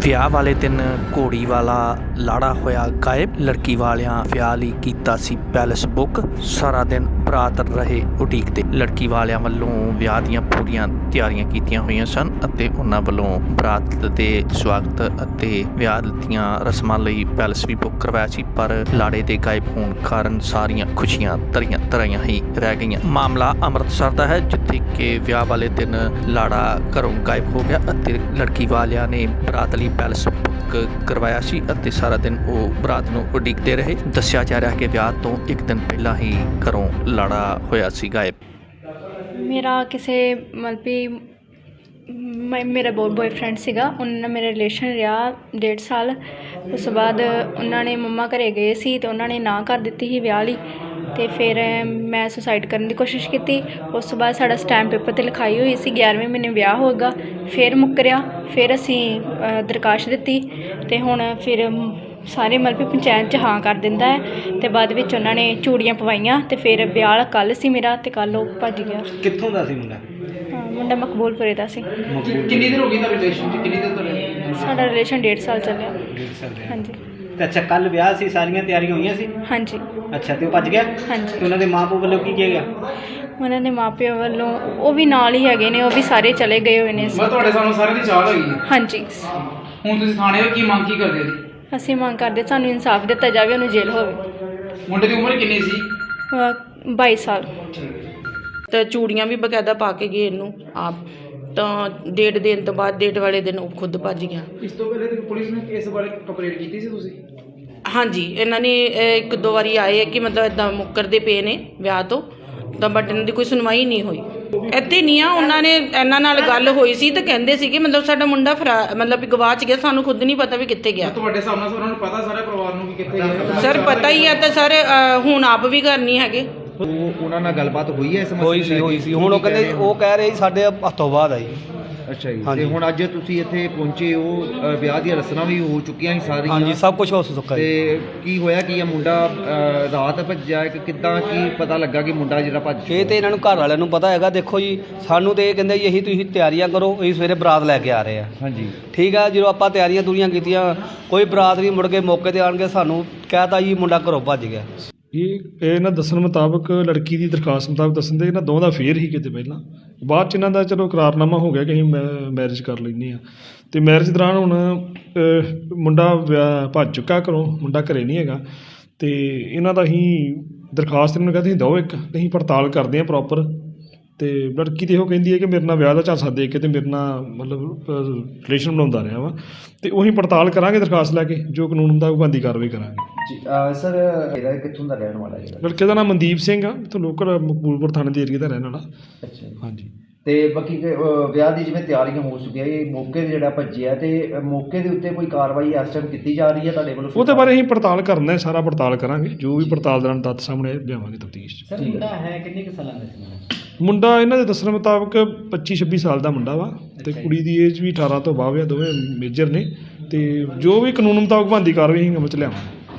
ਵਿਆਹ ਵਾਲੇ ਦਿਨ ਘੋੜੀ ਵਾਲਾ ਲਾੜਾ ਹੋਇਆ ਗਾਇਬ। ਲੜਕੀ ਵਾਲਿਆਂ ਵਿਆਹ ਲਈ ਕੀਤਾ ਸੀ ਪੈਲਸ ਬੁੱਕ। ਸਾਰਾ ਦਿਨ ਬਰਾਤ ਰਹੇ ਉਡੀਕਦੇ। ਲੜਕੀ ਵਾਲਿਆਂ ਵੱਲੋਂ ਵਿਆਹ ਦੀਆਂ ਪੂਰੀਆਂ ਤਿਆਰੀਆਂ ਕੀਤੀਆਂ ਹੋਈਆਂ ਸਨ ਅਤੇ ਉਹਨਾਂ ਵੱਲੋਂ ਬਰਾਤ ਦੇ ਸਵਾਗਤ ਅਤੇ ਵਿਆਹ ਦੀਆਂ ਰਸਮਾਂ ਲਈ ਪੈਲਸ ਵੀ ਬੁੱਕ ਕਰਵਾਇਆ ਸੀ, ਪਰ ਲਾੜੇ ਦੇ ਗਾਇਬ ਹੋਣ ਕਾਰਨ ਸਾਰੀਆਂ ਖੁਸ਼ੀਆਂ ਤਰੀਆਂ ਹੀ ਰਹਿ ਗਈਆਂ। ਮਾਮਲਾ ਅੰਮ੍ਰਿਤਸਰ ਦਾ ਹੈ, ਜਿੱਥੇ ਕਿ ਵਿਆਹ ਵਾਲੇ ਦਿਨ ਲਾੜਾ ਘਰੋਂ ਗਾਇਬ ਹੋ ਗਿਆ ਅਤੇ ਲੜਕੀ ਵਾਲਿਆਂ ਨੇ ਬਰਾਤ ਲਈ ਪੈਲਸ ਬੁੱਕ ਕਰਵਾਇਆ ਸੀ ਅਤੇ ਸਾਰਾ ਦਿਨ ਉਹ ਬਰਾਤ ਨੂੰ ਉਡੀਕਦੇ ਰਹੇ। ਦੱਸਿਆ ਜਾ ਰਿਹਾ ਕਿ ਵਿਆਹ ਤੋਂ ਇੱਕ ਦਿਨ ਪਹਿਲਾਂ ਹੀ ਘਰੋਂ ਲਾੜਾ ਹੋਇਆ ਸੀ ਗਾਇਬ। ਮੇਰਾ ਕਿਸੇ ਮਤਲਬ ਵੀ ਮੇਰਾ ਬॉयफ्रेंड ਸੀਗਾ, ਉਹਨਾਂ ਨਾਲ ਮੇਰਾ ਰਿਲੇਸ਼ਨ ਰਿਹਾ 1.5 ਸਾਲ। ਉਸ ਤੋਂ ਬਾਅਦ ਉਹਨਾਂ ਨੇ ਮੰਮਾ ਘਰੇ ਗਏ ਸੀ ਅਤੇ ਉਹਨਾਂ ਨੇ ਨਾ ਕਰ ਦਿੱਤੀ ਸੀ ਵਿਆਹ ਲਈ, ਅਤੇ ਫਿਰ ਮੈਂ ਸੁਸਾਈਡ ਕਰਨ ਦੀ ਕੋਸ਼ਿਸ਼ ਕੀਤੀ। ਉਸ ਤੋਂ ਬਾਅਦ ਸਾਡਾ ਸਟੈਂਪ ਪੇਪਰ 'ਤੇ ਲਿਖਾਈ ਹੋਈ ਸੀ 11ਵੇਂ ਮਹੀਨੇ ਵਿਆਹ ਹੋਏਗਾ, ਫਿਰ ਮੁੱਕਰਿਆ। ਫਿਰ ਅਸੀਂ ਦਰਖਾਸਤ ਦਿੱਤੀ ਅਤੇ ਹੁਣ ਫਿਰ ਸਾਰੇ ਮਤਲਬ ਵੀ ਪੰਚਾਇਤ 'ਚ ਹਾਂ ਕਰ ਦਿੰਦਾ ਹੈ, ਅਤੇ ਬਾਅਦ ਵਿੱਚ ਉਹਨਾਂ ਨੇ ਚੂੜੀਆਂ ਪਵਾਈਆਂ ਅਤੇ ਫਿਰ ਵਿਆਹ ਕੱਲ੍ਹ ਸੀ ਮੇਰਾ, ਅਤੇ ਕੱਲ੍ਹ ਉਹ ਭੱਜ ਗਿਆ। ਕਿੱਥੋਂ ਦਾ ਸੀ ਮੁੰਡਾ? ਮੁੰਡਾ ਮਕਬੂਲਪੁਰੇ ਦਾ ਸੀ। ਕਿੰਨੀ ਦੇਰ ਹੋ ਗਈ ਤਾਂ ਰਿਲੇਸ਼ਨ 'ਚ? ਕਿੰਨੀ ਦੇਰ ਤੋਂ? ਸਾਡਾ ਰਿਲੇਸ਼ਨ 1.5 ਸਾਲ ਚੱਲਿਆ। 1.5 ਸਾਲ ਰਿਹਾ। ਹਾਂਜੀ। ਤੇ ਅੱਛਾ, ਕੱਲ੍ਹ ਵਿਆਹ ਸੀ, ਸਾਰੀਆਂ ਤਿਆਰੀਆਂ ਹੋਈਆਂ ਸੀ? ਹਾਂਜੀ। ਅੱਛਾ, ਤੇ ਉਹ ਭੱਜ ਗਿਆ? ਹਾਂਜੀ। ਤੇ ਉਹਨਾਂ ਦੇ ਮਾਂ-ਪਿਓ ਵੱਲੋਂ ਕੀ ਕਿਹਾ ਗਿਆ? ਉਹਨਾਂ ਦੇ ਮਾਪਿਆਂ ਵੱਲੋਂ ਉਹ ਵੀ ਨਾਲ ਹੀ ਹੈਗੇ ਨੇ, ਉਹ ਵੀ ਸਾਰੇ ਚਲੇ ਗਏ ਹੋਏ ਨੇ। ਮੈਂ ਤੁਹਾਡੇ ਸਾਨੂੰ ਸਾਰਿਆਂ ਦੀ ਚਾਹ ਹੈਗੀ ਹੈ। ਹਾਂਜੀ। ਹੁਣ ਤੁਸੀਂ ਥਾਣੇ ਹੋ, ਕੀ ਮੰਗ ਕੀ ਕਰਦੇ ਜੀ? ਅਸੀਂ ਮੰਗ ਕਰਦੇ ਸਾਨੂੰ ਇਨਸਾਫ ਦਿੱਤਾ ਜਾਵੇ, ਉਹਨੂੰ ਜੇਲ੍ਹ ਹੋਵੇ। ਮੁੰਡੇ ਦੀ ਉਮਰ ਕਿੰਨੀ ਸੀ? 22 ਸਾਲ। ਤਾਂ ਚੂੜੀਆਂ ਵੀ ਬਕਾਇਦਾ ਪਾ ਕੇ ਗਏ ਇਹਨੂੰ ਆਪ, ਤਾਂ ਡੇਟ ਦੇਣ ਤੋਂ ਬਾਅਦ ਡੇਟ ਵਾਲੇ ਦਿਨ ਉਹ ਖੁਦ ਭੱਜ ਗਿਆ। ਇਸ ਤੋਂ ਪਹਿਲੇ ਤੇ ਪੁਲਿਸ ਨੇ ਇਸ ਬਾਰੇ ਕੰਪਲੇਂਟ ਕੀਤੀ ਸੀ ਤੁਸੀਂ? ਹਾਂਜੀ, ਇਹਨਾਂ ਨੇ 1-2 ਵਾਰੀ ਆਏ ਕਿ ਮਤਲਬ ਇੱਦਾਂ ਮੁੱਕਰਦੇ ਪਏ ਨੇ ਵਿਆਹ ਤੋਂ, ਤਾਂ ਬਟ ਇਹਨਾਂ ਦੀ ਕੋਈ ਸੁਣਵਾਈ ਨਹੀਂ ਹੋਈ। ਇੱਥੇ ਨਹੀਂ ਆ, ਉਹਨਾਂ ਨੇ ਇਹਨਾਂ ਨਾਲ ਗੱਲ ਹੋਈ ਸੀ ਤਾਂ ਕਹਿੰਦੇ ਸੀ ਕਿ ਮਤਲਬ ਸਾਡਾ ਮੁੰਡਾ ਮਤਲਬ ਵੀ ਗਵਾਚ ਗਿਆ, ਸਾਨੂੰ ਖੁਦ ਨਹੀਂ ਪਤਾ ਵੀ ਕਿੱਥੇ ਗਿਆ। ਤੁਹਾਡੇ ਸਾਹਮਣੇ ਉਹਨਾਂ ਨੂੰ ਪਤਾ ਸਾਰੇ ਪਰਿਵਾਰ ਨੂੰ ਕਿ ਕਿੱਥੇ ਗਿਆ? ਸਰ ਪਤਾ ਹੀ ਹੈ, ਤਾਂ ਸਰ ਹੁਣ ਆਪ ਵੀ ਘਰ ਨਹੀਂ ਹੈਗੇ। ਉਹਨਾਂ ਨਾਲ ਗੱਲਬਾਤ ਹੋਈ ਹੈ ਇਸ ਮਸਲੇ ਤੇ? ਹੋਈ ਸੀ। ਹੁਣ ਉਹ ਕਹਿੰਦੇ, ਉਹ ਕਹਿ ਰਹੇ ਸਾਡੇ ਹੱਥੋਂ ਬਾਅਦ ਆਈ। ਅੱਛਾ ਜੀ। ਤੇ ਹੁਣ ਅੱਜ ਤੁਸੀਂ ਇੱਥੇ ਪਹੁੰਚੇ ਹੋ, ਵਿਆਹ ਦੀਆਂ ਰਸਮਾਂ ਵੀ ਹੋ ਚੁੱਕੀਆਂ ਸੀ ਸਾਰੀਆਂ? ਹਾਂਜੀ, ਸਭ ਕੁਝ ਹੋ ਚੁੱਕਾ। ਤੇ ਕੀ ਹੋਇਆ ਕੀ ਆ? ਮੁੰਡਾ ਰਾਤ ਭੱਜਿਆ ਕਿ ਕਿੱਦਾਂ? ਕੀ ਪਤਾ ਲੱਗਾ ਕਿ ਮੁੰਡਾ ਜਿਹੜਾ ਭੱਜ? ਇਹ ਤੇ ਇਹਨਾਂ ਨੂੰ ਘਰ ਵਾਲਿਆਂ ਨੂੰ ਪਤਾ ਹੈਗਾ। ਦੇਖੋ ਜੀ, ਸਾਨੂੰ ਤੇ ਇਹ ਕਹਿੰਦੇ ਜੀ ਇਹੀ ਤੁਸੀਂ ਤਿਆਰੀਆਂ ਕਰੋ, ਅਸੀਂ ਸਵੇਰੇ ਬਰਾਤ ਲੈ ਕੇ ਆ ਰਹੇ ਆ। ਹਾਂਜੀ, ਠੀਕ ਆ। ਜਦੋਂ ਆਪਾਂ ਤਿਆਰੀਆਂ ਕੀਤੀਆਂ, ਕੋਈ ਬਰਾਤ ਨਹੀਂ, ਮੁੜ ਕੇ ਮੌਕੇ 'ਤੇ ਆਣ ਕੇ ਸਾਨੂੰ ਕਹਿਤਾ ਜੀ ਮੁੰਡਾ ਘਰੋਂ ਭੱਜ ਗਿਆ। ਇਹ ਇਹਨਾਂ ਦੱਸਣ ਮੁਤਾਬਕ, ਲੜਕੀ ਦੀ ਦਰਖਾਸਤ ਮੁਤਾਬਕ ਦੱਸਣ ਦੇ ਇਹਨਾਂ ਦੋਵਾਂ ਦਾ ਫੇਰ ਹੀ ਕਿਤੇ ਪਹਿਲਾਂ, ਬਾਅਦ 'ਚ ਇਹਨਾਂ ਦਾ ਚਲੋ ਇਕਰਾਰਨਾਮਾ ਹੋ ਗਿਆ ਕਿ ਅਸੀਂ ਮੈਰਿਜ ਕਰ ਲੈਂਦੇ ਹਾਂ। ਅਤੇ ਮੈਰਿਜ ਦੌਰਾਨ ਹੁਣ ਮੁੰਡਾ ਭੱਜ ਚੁੱਕਾ ਘਰੋਂ, ਮੁੰਡਾ ਘਰੇ ਨਹੀਂ ਹੈਗਾ। ਅਤੇ ਇਹਨਾਂ ਦਾ ਅਸੀਂ ਦਰਖਾਸਤ ਇਹਨਾਂ ਨੂੰ ਕਹਿੰਦੇ ਅਸੀਂ ਦਿਓ ਇੱਕ, ਅਸੀਂ ਪੜਤਾਲ ਕਰਦੇ ਹਾਂ ਪ੍ਰੋਪਰ। ਅਤੇ ਲੜਕੀ ਤਾਂ ਇਹੋ ਕਹਿੰਦੀ ਹੈ ਕਿ ਮੇਰੇ ਨਾਲ ਵਿਆਹ ਦਾ ਝਾਂਸਾ ਦੇ ਕੇ ਅਤੇ ਮੇਰੇ ਨਾਲ ਮਤਲਬ ਰਿਲੇਸ਼ਨ ਬਣਾਉਂਦਾ ਰਿਹਾ ਵਾ, ਅਤੇ ਉਹੀ ਪੜਤਾਲ ਕਰਾਂਗੇ ਦਰਖਾਸਤ ਲੈ ਕੇ, ਜੋ ਕਾਨੂੰਨ ਹੁੰਦਾ ਉਹ ਬਣਦੀ ਕਾਰਵਾਈ ਕਰਾਂਗੇ। ਸਰ ਇਹਦਾ ਕਿੱਥੋਂ ਦਾ ਰਹਿਣ ਵਾਲਾ ਜਿਹੜਾ? ਲੜਕੇ ਦਾ ਨਾਮ ਮਨਦੀਪ ਸਿੰਘ ਆ, ਇੱਥੋਂ ਲੋਕਲ ਮਕਬੂਲਪੁਰ ਥਾਣੇ ਦੇ ਏਰੀਏ ਦਾ ਰਹਿਣ ਵਾਲਾ। ਅੱਛਾ। ਹਾਂਜੀ। ਤੇ ਬਾਕੀ ਵਿਆਹ ਦੀ ਜਿਵੇਂ ਤਿਆਰੀਆਂ ਹੋ ਚੁੱਕੀਆਂ, ਇਹ ਮੌਕੇ 'ਤੇ ਜਿਹੜਾ ਭੱਜਿਆ, ਤੇ ਮੌਕੇ ਦੇ ਉੱਤੇ ਕੋਈ ਕਾਰਵਾਈ ਇਸ ਟਾਈਮ ਕੀਤੀ ਜਾ ਰਹੀ ਹੈ ਤੁਹਾਡੇ ਵੱਲੋਂ? ਉਹਦੇ ਬਾਰੇ ਅਸੀਂ ਪੜਤਾਲ ਕਰਨਾ ਹੈ, ਸਾਰਾ ਪੜਤਾਲ ਕਰਾਂਗੇ, ਜੋ ਵੀ ਪੜਤਾਲ ਦੌਰਾਨ ਤੱਥ ਸਾਹਮਣੇ ਲਿਆਵਾਂਗੇ ਤਫਤੀਸ਼ 'ਚ। ਮੁੰਡਾ ਹੈ ਕਿੰਨੇ ਕੁ ਸਾਲਾਂ ਦਾ ਸੀ? ਮੁੰਡਾ ਇਹਨਾਂ ਦੇ ਦੱਸਣ ਮੁਤਾਬਕ 25-26 ਸਾਲ ਦਾ ਮੁੰਡਾ ਵਾ, ਅਤੇ ਕੁੜੀ ਦੀ ਏਜ ਵੀ 18 ਤੋਂ ਬਾਅਦ ਆ, ਦੋਵੇਂ ਮੇਜਰ ਨੇ। ਅਤੇ ਜੋ ਵੀ ਕਾਨੂੰਨ ਮੁਤਾਬਕ ਬਣਦੀ ਕਾਰਵਾਈ ਅਸੀਂ ਅਮਲ 'ਚ ਲਿਆਵਾਂਗੇ।